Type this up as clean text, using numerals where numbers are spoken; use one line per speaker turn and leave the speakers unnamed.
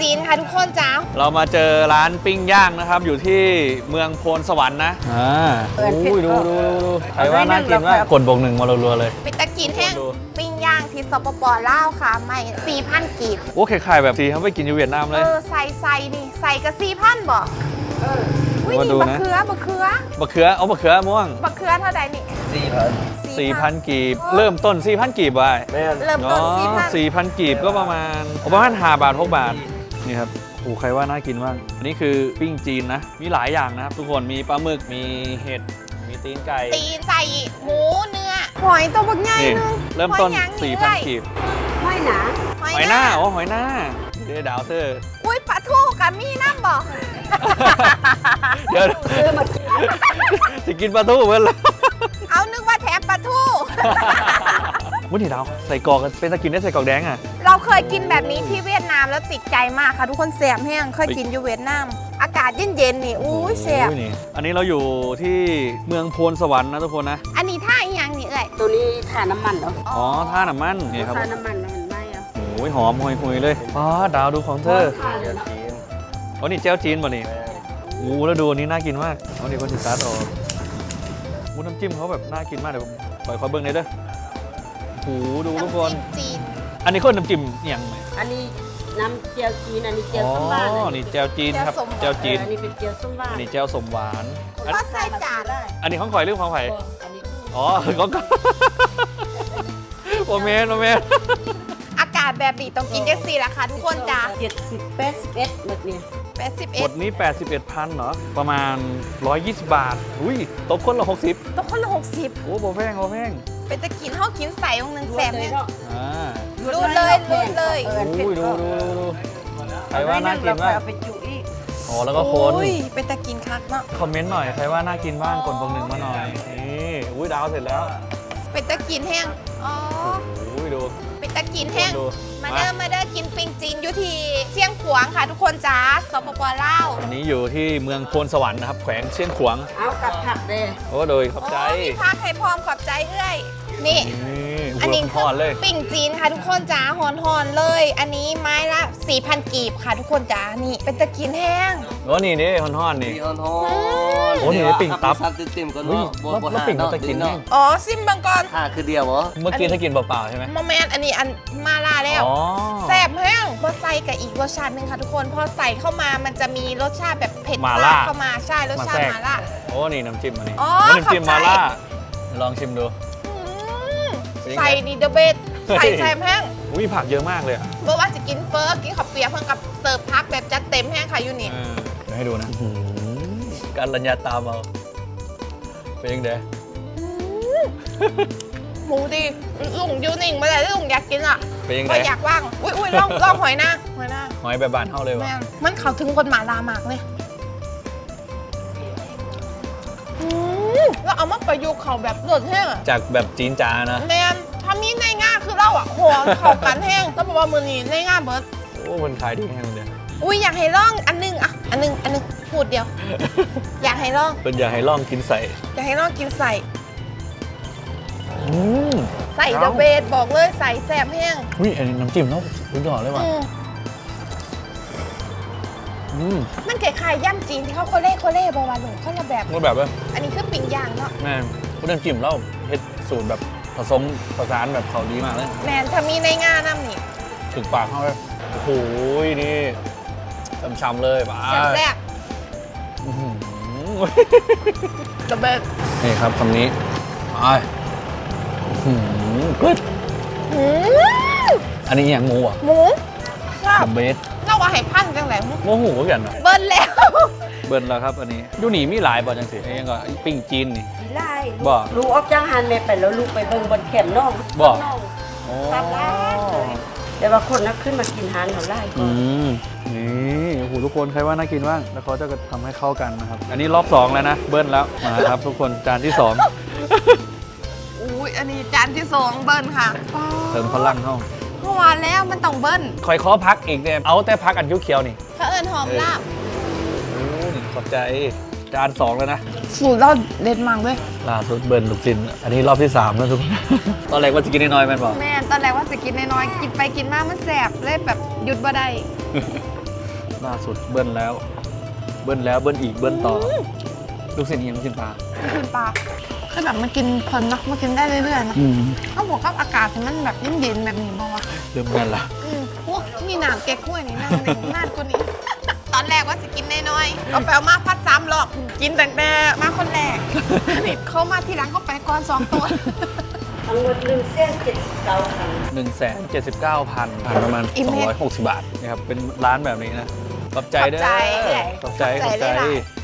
จีนค่ะทุกคนจ้า
เรามาเจอร้านปิ้งย่างนะครับอยู่ที่เมืองโพนสวรรค์นะอุ้ยดูใครว่าน่ากินว่ากดบวกหนึ่งมารัวๆเลย
เป็นตะกินแห้งปิ้งย่างที่สปป.ลาวค่ะไม่4,000 กีบ
โอ้คล้ายๆแบบที่เขาไปกินอยู่เวียดนามเลย
ใส่นี่ใส่กระ4,000บ่อุ้ยนี่บักเขือ
เอาบักเขือม่วง
บักเขือเท่าใดนี่
4,000 กีบเริ่มต้น 4,000 กีบไป
เริ่มต้น
4,000 กีบก็ประมาณ5 บาท 6 บาทนี่ครับโอ้ใครว่าน่ากินบ้างอันนี้คือปิ้งจีนนะมีหลายอย่างนะครับทุกคนมีปลาหมึกมีเห็ดมีตีนไก่
ตีนใส่หมูเนื้อหอยตัวบักใหญ่นึง
เริ่มต้น 4,000 กีบ
หอยหนา
หอยหน้าเดี๋ยวดาวเธอ
อุ้ยปลาทูกับมีน้ำบ่
เดี๋ยวจะกินปลาทูเหมือนเลย
เอานึกว่าแถมปลาทู
วุ้นนี่ดาวใส่กรอกเป็นตะกินได้ใส่กรอกแดงอ่ะ
เราเคยกินแบบนี้ที่เวียดนามแล้วติดใจมากค่ะทุกคนแสบแห้งเคยกินอยู่เวียดนามอากาศเย็นๆนี่อุ้ยแสบ
อันนี้เราอยู่ที่เมืองโพนสวรรค์นะทุกคนนะ
อันนี้ท่าอีหยังนี่เอ้ย
ตัวนี้ท่าน้ำมันเหรอ
อ๋อท่าน้ำมันนี่ครับ
ท่าน้ำมันเห็นไหมอ่ะ
โอ้ยหอมหุยเลยอ๋อดาวดูของเธออ๋อนี่เจ้าจีนป่ะนี่โอ้แล้วดูอันนี้น่ากินมากเอานี่คนศึกษาต่อวุ้นน้ำจิ้มเขาแบบน่ากินมากเดี๋ยวปล่อยขอเบิ้งเลยเด้อโอ้ดูทุกคนอันนี้คนน้ำจิ้มอย่างไร
อันนี้น้ำเจียวจีนอันนี้เจียวส้มหวาน
อ๋อนี่เจียวจีนครับเจียวจีน
อันนี้เป็นเจียวส้มหวาน
อันนี้เจียวส้มหวาน
ก็ใส่จาน
อันนี้ของข่อยหรือของข่อยอ๋อของโอเมน
อากาศแบบนี้ต้องกินเด็กสี่ราคาทุกคนจ้า
70 81แบบนี้
หมดนี้ 81,000เหรอประมาณ120 บาทอุ้ยตกคนละ60
ตกคนละ60
โอ้โหแพง
เป็นตะกินเขากินใส่องนึงแสบเนี่ย
รูดเลย
อุ้ยดูใครว่าน่ากินบ้าง
ไปจุอีก
อ๋อแล้วก็คน
เป็นตะกินคักเนาะ
คอมเมนต์หน่อยใครว่าน่ากินบ้างกดบวกหนึ่งมาหน่อยนี่อุ้ยดาวเสร็จแล้ว
เป็นตะกินแห้งอ๋อ
อุ้ยดู
เป็นตะกินแห้งมาเด้อกินปิงจีนอยู่ที่เชียงขวางค่ะทุกคนจ้าสปป.ลาว
อันนี้อยู่ที่เมืองโพนสวรรค์นะครับแขวงเชียงขวาง
เอากับผักเลย
โอ้โดยขอบใจ
มีผักให้พร้อมขอบใจเอ้ยนี่
อันนี้
คือปิ่งจีนค่ะทุกคนจ้าหอนเลย อันนี้ไม้ละ 4,000 กีบค่ะทุกคนจ้านี่เป็นตะกินแห้ง
โอ้นี่หอนนี่โอ้นี่ปิ่งตับ
ติ่มก่อน
เนาะแล้วปิ่งตะกินแห้ง
อ๋อซิมบังกร
คือเดียวเหรอ
เมื่อกี้ถ้ากินเปล่าๆใช่ไหม
โมเมนต์อันนี้อันมาล่าแล้วแซ่บแห้งพอใส่กับอีกรสชาติหนึ่งค่ะทุกคนพอใส่เข้ามามันจะมีรสชาติแบบเผ็ดมากเข้ามาใช่รสชาติมาล่า
โอ้นี่น้ำจิ้มอันนี้
น้
ำจิ้มมาล่าลองชิมดู
ใส่นี่เดอะเบสใส่แซ่บแห้ง
อุ้ยผักเยอะมากเลยอ่ะ
เมื่อว่าจะกินเฟอร์กินข้าวเปียกเพิ่งกับเสิร์ฟพักแบบจัดเต็มแห้งค่ะยูนิ
เดี๋ยวให้ดูนะการรัญญาตามเอาเป็นยังไง
หมูดีลุงยูนิ่งมาเลยลุงอยากกินอ่ะ
เป็นยังไง
อยากว่างอุ้ยลองหอยหน้า
หอยแบบบานเท่าเลยวะ
มันเขาถึงคนหมาลามากเลยแล้วเอามาประยุกต์เขาแบบเลือดแห้ง
จากแบบจีนจานะ
แมนทำนี้ในง่าคือเราอ่ะหัวเขากันแห้งต้องบอกว่ามือนี้ในง่าเบิร์ด
โอ้มันขายดีแห้งเลย
อุ้ยอยากให้ลองอันนึงพูดเดียวอยากให้ลอง
เป็นอยากให้ลองกินใส่
อยากให้ลองกินใส่ใส่เดอะเบสบอกเลยใส่แซ่บแห้ง
อุ้ยอันนี้น้ำจิ้มเนาะคุณหล่อเลยว่ะ
มันคล้ายๆย่ำจีนที่เขาโคเล่บวาหลงเขาละแบบ
เลย
อันนี้คือปิ้งย่างเนาะ
แม่คุณน้ำจิ้มเราเฮ็ดสูตรแบบผสมผสานแบบเขาดีมากเลย
แมนถ้ามีในง่าน้ำนี่
ถึงปากเขาเลยโอ้โหนี่ช้ำๆเลยบ้า
แซ่บเดอะเบส
นี่ครับคำนี้กึดอันนี้อย่างหมูอ่ะ
หมู
เดอะเบส
เล่าว่าให้พันจังไหน
โมโหกันเนาะ
เบิ้ล
แล้วครับอันนี้ยูนี่มีหลายบ่จังสิยังก็ปิ้งจีนนี่
หลายบ่ลูกออกจากหันแม่ไปแล้วลูกไปเบิ่งบนแคมป์น้อง
บ่
ตับหลายแต่ว่าคนนักขึ้นมากินหานเขาไล่
นี่โอ้โหทุกคนใครว่าน่ากินบ้างแล้วเขาจะทำให้เข้ากันนะครับอันนี้รอบ2แล้วนะเบิ้ลแล้วมาครับทุกคนจานที่2
อุ้ยอันนี้จานที่2เบิ้ลค่ะ
เติมพลังเข้า
เมื่อวานแล้วมันต้องเบิ้ล
คอยขอพักอีกเนี่ยเอาแต่พักอันยุเขียวนี่
เขาเอิญหอมลาบ
ขอบใจจาน2แล้วนะ
สูตรเราเด็ดมากเลย
ล่าสุดเบิ้ลลูกศิลป์อันนี้รอบที่3แล้วทุกคนตอนแรกว่าจะกินน้อยๆแม่นบอก
แม่ตอนแรกว่าจะกินน้อยๆกินไปกินมามันแสบเลยแบบหยุดบ่ได้
ล่าสุดเบิ้ลแล้ว เบิ้ลแล้วเบิ้ลอีกเบิ้ลต่อลูกศิษย์ยังลูกศิษย์ปลา
กินปลาคือแบบมันกินเพลินเนาะมันกินได้เรื่อยๆนะเขาบอกว่าอากาศที่มันแบบเย็นๆแบบนี้บอกว่า
เริ่มกันละ
พวกนี่น้ำแกงกล้วยนี่น้ำหนึ่งน่ากว่านี้ ตอนแรกว่าสิกินน้อยๆเอาไปเอามาพัด3 รอบกินแต่มาคนแรกนี่เขามาทีหลังเขาไปก่อน2 ตัว
ทั้งหมด179,000
179,000ประมาณ260 บาทนะครับเป็นร้านแบบนี้นะขอบใจเด้อขอบใจ
เลยล่ะ